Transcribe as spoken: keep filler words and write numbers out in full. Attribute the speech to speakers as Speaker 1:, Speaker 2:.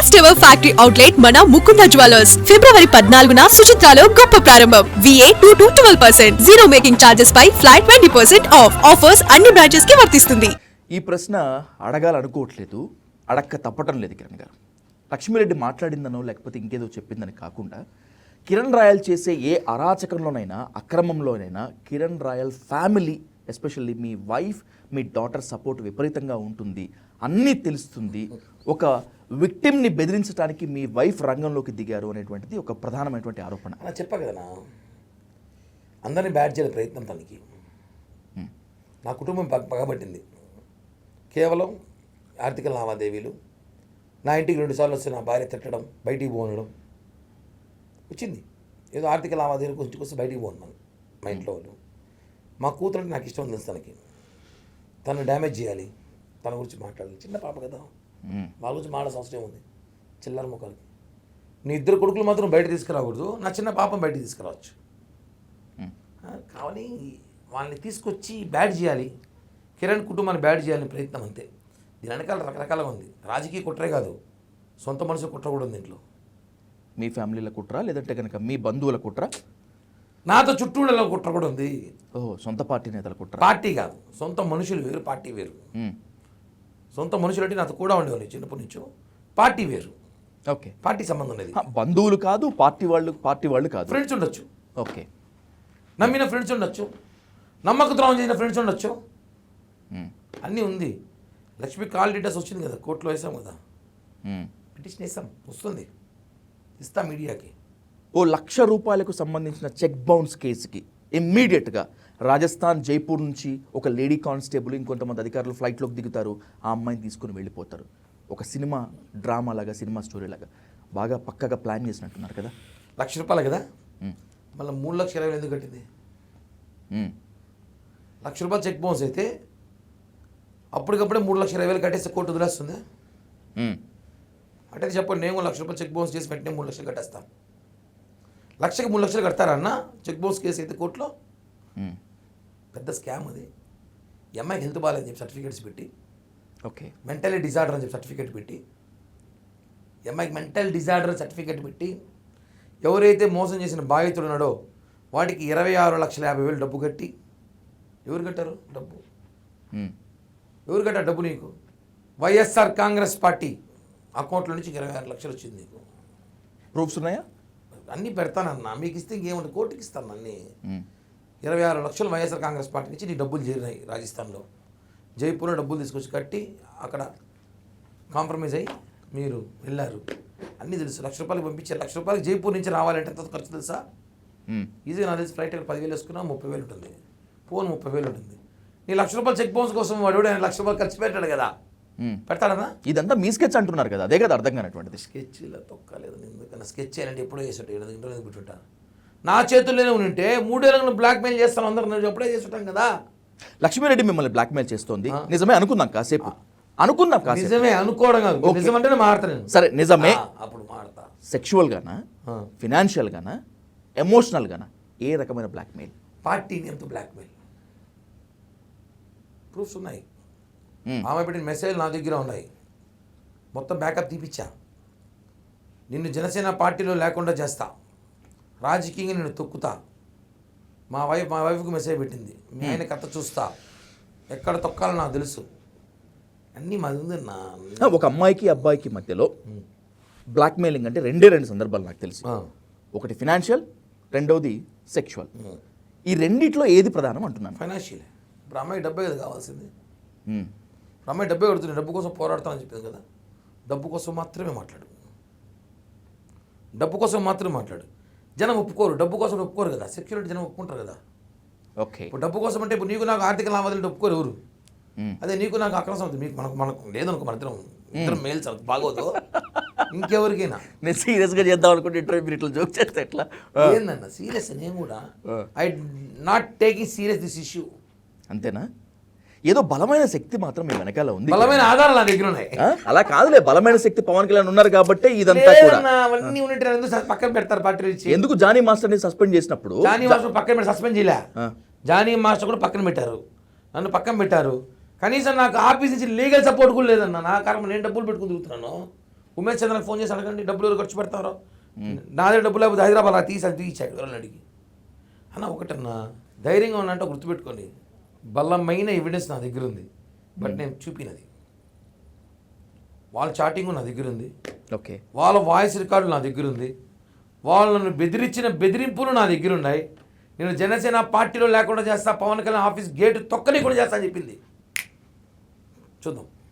Speaker 1: First ever factory outlet మన Mukunda jewellers ఫిబ్రవరి పద్నాలుగున సుచిత్రాలో గొప్ప ప్రారంభం. VA two to twelve percent zero making charges పై flat twenty percent off. Offers అన్ని బ్రాంచెస్ కి వర్తిస్తుంది.
Speaker 2: ఈ ప్రశ్న అడగాలనుకోవట్లేదు, అడక్క తప్పటం లేదు కిరణ్ గారు. లక్ష్మీరెడ్డి మాట్లాడిందనో లేకపోతే ఇంకేదో చెప్పిందని కాకుండా కిరణ్ రాయల్ చేసే ఏ అరాచకంలోనైనా అక్రమంలోనైనా కిరణ్ రాయల్ ఫ్యామిలీ ఎస్పెషల్లీ మీ వైఫ్ మీ డాటర్ సపోర్ట్ విపరీతంగా ఉంటుంది, అన్నీ తెలుస్తుంది. ఒక విక్టిమ్ని బెదిరించడానికి మీ వైఫ్ రంగంలోకి దిగారు అనేటువంటిది ఒక ప్రధానమైనటువంటి ఆరోపణ.
Speaker 3: అలా చెప్పా కదా నా అందరినీ బ్యాడ్ చేయాలి ప్రయత్నం తనకి. నా కుటుంబం పగ పగబట్టింది కేవలం ఆర్థిక లావాదేవీలు. నా ఇంటికి రెండుసార్లు వస్తే నా భార్య తిట్టడం, బయటికి పోనడం వచ్చింది. ఏదో ఆర్థిక లావాదేవీలు కొంచెం వస్తే బయటికి పోతున్నాను. మా ఇంట్లో వాళ్ళు మా కూతురు అంటే నాకు ఇష్టం ఉంది. తనకి తను డ్యామేజ్ చేయాలి, తన గురించి మాట్లాడాలి. చిన్న పాప కదా, వాళ్ళ గురించి మాట్లాడాల్సిన అవసరం ఉంది. చిల్లర ముఖాలకి నీ ఇద్దరు కొడుకులు మాత్రం బయట తీసుకురాకూడదు, నా చిన్న పాపం బయట తీసుకురావచ్చు. కావాలి వాళ్ళని తీసుకొచ్చి బ్యాడ్ చేయాలి, కిరణ్ కుటుంబాన్ని బ్యాడ్ చేయాలని ప్రయత్నం అంతే. దీని వెనకాల రకరకాలుగా ఉంది. రాజకీయ కుట్రే కాదు, సొంత మనుషుల కుట్ర కూడా ఉంది ఇంట్లో.
Speaker 2: మీ ఫ్యామిలీల కుట్ర లేదంటే కనుక మీ బంధువుల కుట్ర?
Speaker 3: నాతో చుట్టూళ్ళలో కుట్ర కూడా ఉంది.
Speaker 2: ఓహో, సొంత పార్టీ నేతల కుట్ర?
Speaker 3: పార్టీ కాదు, సొంత మనుషులు వేరు, పార్టీ వేరు. సొంత మనుషులు అంటే నాతో కూడా ఉండేవాళ్ళు చిన్నప్పటి నుంచో. పార్టీ వేరు,
Speaker 2: ఓకే.
Speaker 3: పార్టీ సంబంధం లేదు.
Speaker 2: బంధువులు కాదు, పార్టీ వాళ్ళు పార్టీ వాళ్ళు కాదు,
Speaker 3: ఫ్రెండ్స్ ఉండొచ్చు.
Speaker 2: ఓకే.
Speaker 3: నమ్మిన ఫ్రెండ్స్ ఉండొచ్చు, నమ్మక ద్రోహం చేసిన ఫ్రెండ్స్ ఉండొచ్చు, అన్నీ ఉంది. లక్ష్మీ కాల్ డీటెయిల్స్ వచ్చింది కదా, కోర్టులో వేసాం కదా, పిటిషన్ వేసాం, వస్తుంది, ఇస్తాం మీడియాకి.
Speaker 2: ఓ లక్ష రూపాయలకు సంబంధించిన చెక్ బౌన్స్ కేసుకి ఇమ్మీడియట్గా రాజస్థాన్ జైపూర్ నుంచి ఒక లేడీ కానిస్టేబుల్ ఇంకొంతమంది అధికారులు ఫ్లైట్లోకి దిగుతారు, ఆ అమ్మాయిని తీసుకుని వెళ్ళిపోతారు. ఒక సినిమా డ్రామా లాగా, సినిమా స్టోరీ లాగా బాగా పక్కగా ప్లాన్ చేసినట్టున్నారు కదా.
Speaker 3: లక్ష రూపాయలు కదా, మళ్ళీ మూడు లక్షల ఇరవై ఎందుకు కట్టింది? లక్ష రూపాయలు చెక్ బౌన్స్ అయితే అప్పటికప్పుడే మూడు లక్షల ఇరవై వేలు కట్టేస్తే కోర్టు వదిలేస్తుంది. అంటే చెప్పండి, నేను లక్ష రూపాయలు చెక్ బౌన్స్ చేసి వెంటనే మూడు లక్షలు కట్టేస్తాను. లక్షకి మూడు లక్షలు కడతారా అన్న చెక్ బౌన్స్ కేసు అయితే కోర్టులో? పెద్ద స్కామ్ అది. ఎంఐకి హెల్త్ బాగాలేదని చెప్పి సర్టిఫికేట్స్ పెట్టి,
Speaker 2: ఓకే,
Speaker 3: మెంటలీ డిజార్డర్ అని చెప్పి సర్టిఫికేట్ పెట్టి, ఎంఐకి మెంటల్ డిజార్డర్ సర్టిఫికేట్ పెట్టి, ఎవరైతే మోసం చేసిన బాధితుడు ఉన్నాడో వాటికి ఇరవై ఆరు లక్షల యాభై వేలు డబ్బు కట్టి, ఎవరు కట్టారు డబ్బు? ఎవరు కట్టారు డబ్బు నీకు? వైఎస్ఆర్ కాంగ్రెస్ పార్టీ అకౌంట్లో నుంచి ఇరవై ఆరు లక్షలు వచ్చింది నీకు.
Speaker 2: ప్రూఫ్స్ ఉన్నాయా?
Speaker 3: అన్నీ పెడతానన్నా, మీకు ఇస్తే ఇంకేముంటుంది, కోర్టుకి ఇస్తాను అన్నీ. ఇరవై ఆరు లక్షలు వైఎస్ఆర్ కాంగ్రెస్ పార్టీ నుంచి నీ డబ్బులు చేరినాయి రాజస్థాన్లో. జైపూర్లో డబ్బులు తీసుకొచ్చి కట్టి అక్కడ కాంప్రమైజ్ అయ్యి మీరు వెళ్ళారు. అన్నీ తెలుసు. లక్ష రూపాయలు పంపించారు. లక్ష రూపాయలు జైపూర్ నుంచి రావాలంటే ఎంత ఖర్చు తెలుసా? ఈజీగా నాకు తెలిసి ఫ్లైట్ పదివేలు వేసుకున్నా ముప్పై వేలు ఉంటుంది, ఫోన్ ముప్పై వేలు ఉంటుంది. నీ లక్ష రూపాయలు చెక్ బౌన్స్ కోసం వాడు ఆయన లక్ష రూపాయలు ఖర్చు పెట్టాడు కదా, పెడతాడన్నా?
Speaker 2: ఇదంతా మీ స్కెచ్ అంటున్నారు కదా, అదే కదా అర్థం కానటువంటిది.
Speaker 3: స్కెచ్ ఇలా తొక్కలేదు, ఎందుకన్నా స్కెచ్ చేయాలంటే ఎప్పుడో చేస్తుంటా, ఇంట్లో పెట్టుంటాను. నా చేతుల్లోనే ఉంటే మూడేళ్ళను బ్లాక్మెయిల్ చేస్తాను అందరూ, నేను ఎప్పుడే చేస్తుంటాం కదా.
Speaker 2: లక్ష్మీరెడ్డి మిమ్మల్ని బ్లాక్మెయిల్ చేస్తోంది నిజమే అనుకుందాం కాసేపు, అనుకుందాం కాసేపు.
Speaker 3: నిజమే అనుకోవడం కాదు, నిజమంటేనే మాడతాను.
Speaker 2: సరే నిజమే,
Speaker 3: అప్పుడు మాడతా.
Speaker 2: సెక్షువల్ గానా, ఫినాన్షియల్ గానా, ఎమోషనల్ గానా, ఏ రకమైన బ్లాక్మెయిల్?
Speaker 3: పార్టీ నేమ్తో బ్లాక్మెయిల్. ప్రూఫ్స్ ఉన్నాయి, ఆమె పెట్టిన మెసేజ్ నా దగ్గర ఉన్నాయి, మొత్తం బ్యాకప్ తీపిచ్చా. నిన్ను జనసేన పార్టీలో లేకుండా చేస్తా, రాజకీయంగా నేను తొక్కుతా. మా వైఫ్ మా వైఫ్కి మెసేజ్ పెట్టింది, మీ ఆయన కథ చూస్తా, ఎక్కడ తొక్కాలో నాకు తెలుసు, అన్నీ మాది ఉంది నా.
Speaker 2: ఒక అమ్మాయికి అబ్బాయికి మధ్యలో బ్లాక్మెయిలింగ్ అంటే రెండే రెండు సందర్భాలు నాకు తెలుసు. ఒకటి ఫినాన్షియల్, రెండవది సెక్షువల్. ఈ రెండిట్లో ఏది ప్రధానం అంటున్నాను?
Speaker 3: ఫైనాన్షియల్. ఇప్పుడు అమ్మాయి డబ్బే కదా కావాల్సింది. అమ్మాయి డబ్బే కడుతుంది, డబ్బు కోసం పోరాడతానని చెప్పింది కదా. డబ్బు కోసం మాత్రమే మాట్లాడు, డబ్బు కోసం మాత్రమే మాట్లాడు. జనం ఒప్పుకోరు, డబ్బు కోసం ఒప్పుకోరు కదా. సెక్యూరిటీ జనం ఒప్పుకుంటారు కదా.
Speaker 2: ఓకే,
Speaker 3: ఇప్పుడు డబ్బు కోసం అంటే ఇప్పుడు నీకు నాకు ఆర్థిక లావాదేవీలు ఒప్పుకోరు ఎవరు. అదే నీకు నాకు అక్రమ సంబంధం, మీకు మనకు మనకు లేదనుకో, మన ఇద్దరం ఇద్దరం మేల్స్ బాగోదు ఇంకెవరికైనా.
Speaker 2: నేను సీరియస్గా చేద్దాం అనుకుంటే ఇంటర్వ్యూ మీరు ఇట్లా జోక్ చేస్తే ఎట్లా?
Speaker 3: ఏందన్న సీరియస్, నేను కూడా I not taking serious this issue.
Speaker 2: అంతేనా? ఏదో బలమైన శక్తి మాత్రం మీ వెనకాల ఉంది,
Speaker 3: బలమైన ఆధారాలు నా దగ్గర ఉన్నాయి.
Speaker 2: అలా కాదులే, బలమైన శక్తి పవన్ కళ్యాణ్ ఉన్నారు కాబట్టి ఇదంతా కూడా.
Speaker 3: అవన్నీ ఉన్నట్టు పక్కన పెడతారు పార్టీ నుంచి.
Speaker 2: ఎందుకు జానీ మాస్టర్ ని సస్పెండ్ చేసినప్పుడు
Speaker 3: జానీ మాస్టర్ పక్కన పెట్టి సస్పెండ్ చేయలే, జానీ మాస్టర్ కూడా పక్కన పెట్టారు, నన్ను పక్కన పెట్టారు. కనీసం నాకు ఆఫీస్ నుంచి లీగల్ సపోర్ట్ కూడా లేదన్న. నా కారణం నేను డబ్బులు పెట్టుకుని తిరుగుతున్నాను. ఉమేష్ చంద్రకి ఫోన్ చేసి అడగండి డబ్బులు ఎవరు ఖర్చు పెడతారో. నా దగ్గర డబ్బులు లేకపోతే హైదరాబాద్ అలా తీసి అది తీసాడు ఎవరైనా అడిగి. అన్న ఒకటన్నా ధైర్యంగా ఉన్నంటే గుర్తుపెట్టుకోండి, బలమైన ఎవిడెన్స్ నా దగ్గర ఉంది, బట్ నేను చూపినది. వాళ్ళ చాటింగ్ నా దగ్గర ఉంది,
Speaker 2: ఓకే,
Speaker 3: వాళ్ళ వాయిస్ రికార్డులు నా దగ్గర ఉంది, వాళ్ళను బెదిరించిన బెదిరింపులు నా దగ్గర ఉన్నాయి. నేను జనసేన పార్టీలో లేకుండా చేస్తా, పవన్ కళ్యాణ్ ఆఫీస్ గేటు తొక్కని కూడా చేస్తా అని చెప్పింది. చూద్దాం.